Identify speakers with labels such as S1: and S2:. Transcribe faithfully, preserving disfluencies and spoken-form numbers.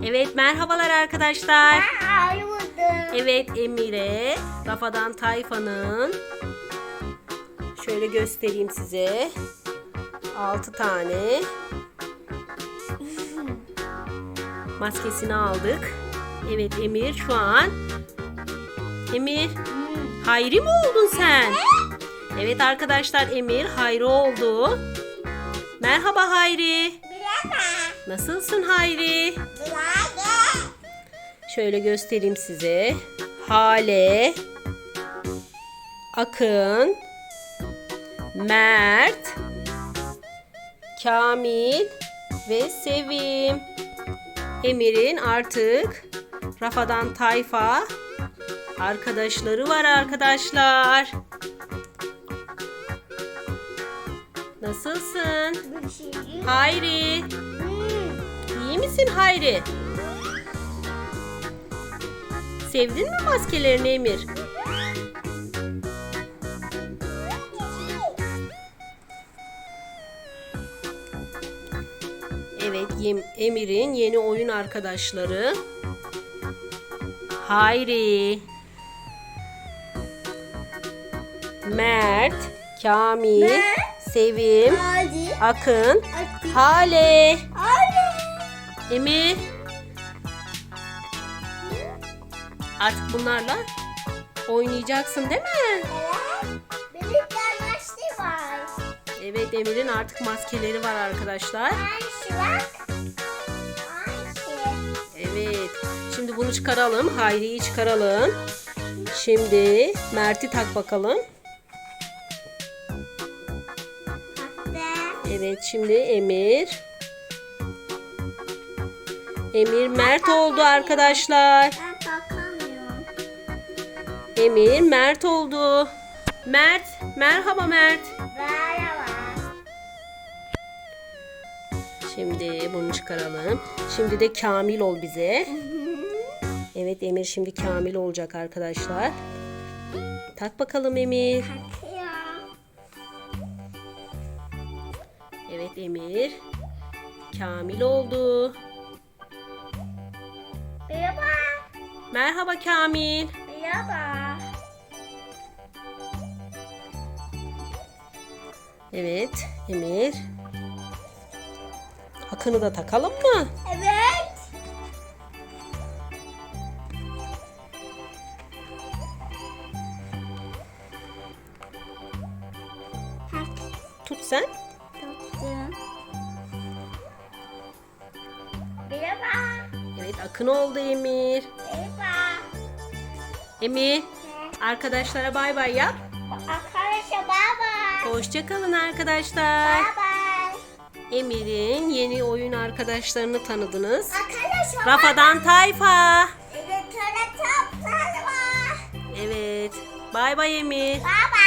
S1: Evet, merhabalar arkadaşlar.
S2: Ben buldum.
S1: Evet, Emir'e Rafadan Tayfa'nın şöyle göstereyim size. altı tane maskesini aldık. Evet, Emir şu an. Emir, Hayri mi oldun sen? Evet arkadaşlar, Emir Hayri oldu. Merhaba Hayri.
S2: Merhaba.
S1: Nasılsın Hayri?
S2: Merhaba.
S1: Şöyle göstereyim size. Hale, Akın, Mert, Kamil ve Sevim. Emir'in artık Rafadan Tayfa arkadaşları var arkadaşlar. Nasılsın?
S2: Bir şey.
S1: Hayri.
S2: Hmm.
S1: İyi misin Hayri? Sevdin mi maskelerini Emir? Evet, Yem- Emir'in yeni oyun arkadaşları. Hayri, Mert, Kamil,
S2: Mert.
S1: Sevim,
S2: Hadi.
S1: Akın,
S2: Hadi.
S1: Hale.
S2: Hadi.
S1: Emir. Artık bunlarla oynayacaksın değil mi?
S2: Evet. Benim yanlışlı var.
S1: Evet, Emir'in artık maskeleri var arkadaşlar.
S2: Ayşe bak. Ayşe.
S1: Evet. Şimdi bunu çıkaralım. Hayri'yi çıkaralım. Şimdi Mert'i tak bakalım.
S2: Hatta.
S1: Evet, şimdi Emir. Emir Mert oldu arkadaşlar.
S2: Ben bakamıyorum.
S1: Emir Mert oldu. Mert, merhaba Mert.
S2: Merhaba.
S1: Şimdi bunu çıkaralım. Şimdi de Kamil ol bize. Evet, Emir şimdi Kamil olacak arkadaşlar. Tak bakalım Emir.
S2: Takıyor.
S1: Evet, Emir Kamil oldu.
S2: Merhaba.
S1: Merhaba Kamil.
S2: Merhaba.
S1: Evet, Emir. Akın'ı da takalım mı?
S2: Evet.
S1: Tut sen.
S2: Tuttum. Merhaba.
S1: Evet, Akın oldu Emir.
S2: Merhaba.
S1: Emir, arkadaşlara bay bay yap.
S2: Arkadaşlar baba.
S1: Hoşça kalın arkadaşlar.
S2: Bye.
S1: Emir'in yeni oyun arkadaşlarını tanıdınız.
S2: Arkadaşlar
S1: Rafadan Tayfa.
S2: evet, öyle toplar var.
S1: Evet. Bay bay Emir.
S2: Baba.